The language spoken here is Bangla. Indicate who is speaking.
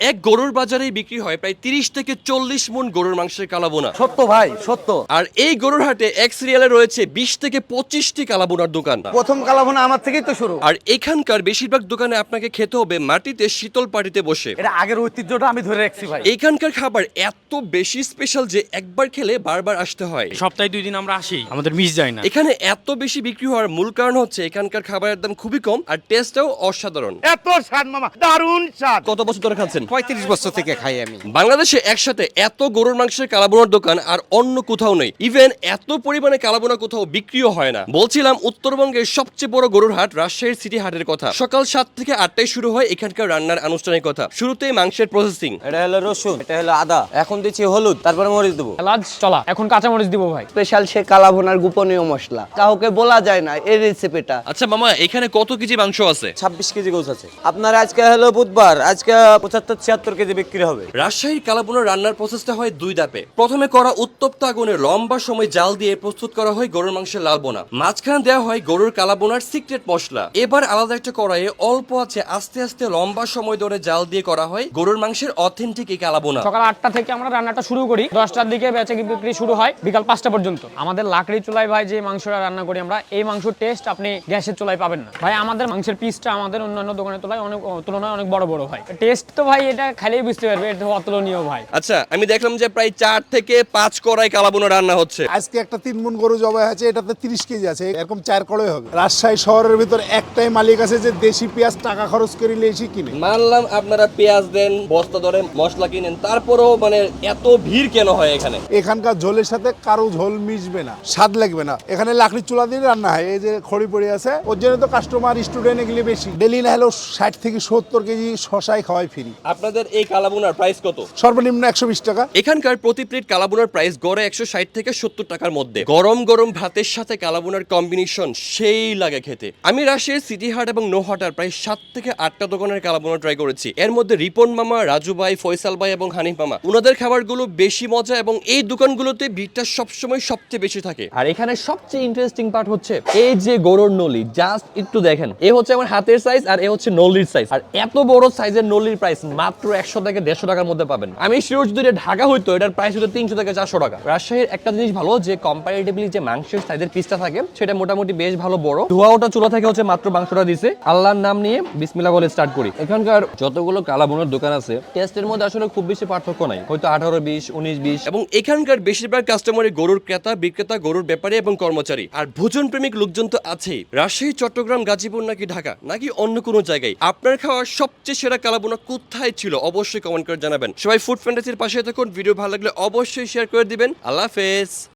Speaker 1: এক গরুর বাজারেই বিক্রি হয় প্রায় 30 থেকে 40 মণ গরুর মাংসের কালাবোনা।
Speaker 2: সত্য ভাই, সত্য।
Speaker 1: আর এই গরুর হাটে এক সিরিয়ালে রয়েছে 20 থেকে 25টি কালাবোনার দোকান।
Speaker 2: প্রথম কালাভুনা আমার থেকেই তো শুরু।
Speaker 1: আর এখানকার বেশিরভাগ দোকানে আপনাকে খেতে হবে মাটিতে শীতল পাটিতে বসে।
Speaker 2: এটা আগের ঐতিহ্যটা আমি ধরে রাখছি ভাই।
Speaker 1: এখানকার খাবার এত বেশি স্পেশাল যে একবার খেলে বারবার আসতে হয়।
Speaker 3: সপ্তাহে 2 দিন আমরা আসি, আমাদের মিস যায় না।
Speaker 1: এখানে এত বেশি বিক্রি হওয়ার মূল কারণ হচ্ছে এখানকার খাবারের দাম খুবই কম আর টেস্টটাও অসাধারণ।
Speaker 4: এত স্বাদ মামা, দারুণ স্বাদ।
Speaker 1: কত বছর ধরে খাচ্ছেন?
Speaker 4: 35 বছর থেকে খাই আমি।
Speaker 1: বাংলাদেশে একসাথে এত গরুর মাংসের কালাবোনার দোকান আর অন্য কোথাও নেই। ইভেন এত পরিমাণে কালাবোনা কোথাও বিক্রিও হয় না। বলছিলাম উত্তরবঙ্গের সবচেয়ে বড় গরুর হাট রাজশাহীর সিটি হাটের কথা। সকাল 7 থেকে 8টায় শুরু হয় এখানকার রান্নার আনুষ্ঠানিকতা। শুরুতেই মাংসের প্রসেসিং।
Speaker 2: এটা হলো রসুন, এটা হলো আদা, এখন দিচ্ছি হলুদ, তারপরে মরিচ দেবো।
Speaker 3: এলাচ চলা, এখন কাঁচামরিচ দিব ভাই।
Speaker 5: স্পেশাল সে কালাভুনার গোপনীয় মশলা, কাউকে বলা যায় না এই রেসিপিটা।
Speaker 1: আচ্ছা মামা, এখানে কত কেজি মাংস আছে?
Speaker 2: 26 কেজি গোছ আছে। আপনার আজকে হলো বুধবার, আজকে 75-76 কেজি বিক্রি হবে।
Speaker 1: রাজশাহীর কালাবোনার রান্নার প্রসেসটা হয় 2 ধাপে। প্রথমে করা উত্তপ্ত আগুনে লম্বা সময় জাল দিয়ে প্রস্তুত করা হয় গরুর মাংসের লাল বোনা। মাঝখানে দেওয়া হয় গরুর কালাবোনার সিক্রেট মশলা। এবার আলাদা একটা কড়াইয়ে অল্প আছে আস্তে আস্তে লম্বা সময় ধরে জাল দিয়ে করা হয় গরুর মাংসের অথেন্টিক এই কালাবোনা।
Speaker 3: সকাল 8টা থেকে আমরা রান্নাটা শুরু করি, 10টার দিকে বেচা বিক্রি শুরু হয় বিকাল 5টা পর্যন্ত। আমাদের লাকড়ি চুলায় ভাই যে মাংসটা রান্না করি আমরা, এই মাংসের টেস্ট আপনি গ্যাসের চুলায় পাবেন না ভাই। আমাদের মাংসের পিসটা আমাদের অন্যান্য দোকানের তুলনায় অনেক বড় বড় হয়। টেস্ট তো ভাই এটা খাইলেই বুঝতে পারবে, এটা অতুলনীয় ভাই।
Speaker 1: আচ্ছা, আমি দেখলাম যে প্রায় 4 থেকে 5 কড়াই কালাবোনা রান্না হচ্ছে।
Speaker 6: আজকে একটা 3 মণ গরু জবাই আছে, এটাতে 30 কেজি আছে, এরকম 4 কড়াই হবে। রাজশাহী শহরের ভিতর একটাই মালিক আছে যে দেশি পেঁয়াজ টাকা খরচ করে লেসি কিনে।
Speaker 1: মানলাম আপনারা পেঁয়াজ দেন, বস্তা ধরে মশলা কিনেন, তারপরেও মানে এত ভিড় কেন হয় এখানে?
Speaker 6: এখানকার ঝোলের সাথে কারো ঝোল মিশবে না, স্বাদ লাগবে না। এখানে লাকড়ি চুলা দিয়ে রান্না হয়, এই যে খড়ি পড়ে আছে, ওর জন্য তো কাস্টমার স্টুডেন্ট এগুলি বেশি। ডেলি না হলেও 60 থেকে 70 কেজি শশাই খাওয়াই ফ্রি।
Speaker 1: আপনাদের এই কালাবোনার প্রাইস কত?
Speaker 6: সর্বনিম্ন 120 টাকা।
Speaker 1: এখানকার প্রতি প্লেট কালাবোনার প্রাইস গড়ে 160 থেকে 70 টাকার মধ্যে। গরম গরম ভাতের সাথে কালাবোনার কম্বিনেশন সেই লাগে খেতে। আমি রাজশাহীর সিটি হাট এবং নোহাটার প্রায় 7 থেকে 8টা দোকানের কালাবোনা ট্রাই করেছি। এর মধ্যে রিপন মামা, রাজু ভাই, ফয়সাল ভাই এবং হানিফ মামা, ওনাদের খাবারগুলো বেশি মজা এবং এই দোকানগুলোতে ভিড়টা সবসময় সবচেয়ে বেশি থাকে। আর এখানে সবচেয়ে ইন্টারেস্টিং পার্ট হচ্ছে এই যে গরুর নলি, জাস্ট একটু দেখেন, এ হচ্ছে আমার হাতের সাইজ আর এ হচ্ছে নলির সাইজ। আর এত বড় সাইজের নলির প্রাইস মাত্র 100 থেকে 150 টাকার মধ্যে পাবেন। আমি শিওর যদি ঢাকা হইতো এটার প্রাইস হতো 300 থেকে 400 টাকা। রাজশাহীর একটা জিনিস ভালো যে কম্পারেটিভলি যে মাংসের সাইজের পিসটা থাকে সেটা মোটামুটি বেশ ভালো বড়। ধোয়া ওটা চুলা থেকে হচ্ছে মাত্র মাংসটা দিছে। আল্লাহর নাম নিয়ে বিসমিল্লাহ বলে স্টার্ট করি। এখানকার যতগুলো কালাবোনার দোকান আছে টেস্টের মধ্যে আসলে খুব বেশি পার্থক্য নাই, হয়তো 18-20, 19-20। এবং এখানকার বেশিরভাগ কাস্টমারই গরুর ক্রেতা বিক্রেতা, গরুর ব্যাপারী এবং কর্মচারী। আর ভোজন প্রেমিক লোকজন তো আছেই। রাজশাহী, চট্টগ্রাম, গাজীপুর নাকি ঢাকা নাকি অন্য কোনো জায়গায় আপনার খাওয়া সবচেয়ে সেরা কালাবোনা কোথায় ছিল অবশ্যই কমেন্ট করে জানাবেন। সবাই ফুড ফ্যান্টাসির পাশে থাকুন। ভিডিও ভালো লাগলে অবশ্যই শেয়ার করে দিবেন। আল্লাহ হাফেজ।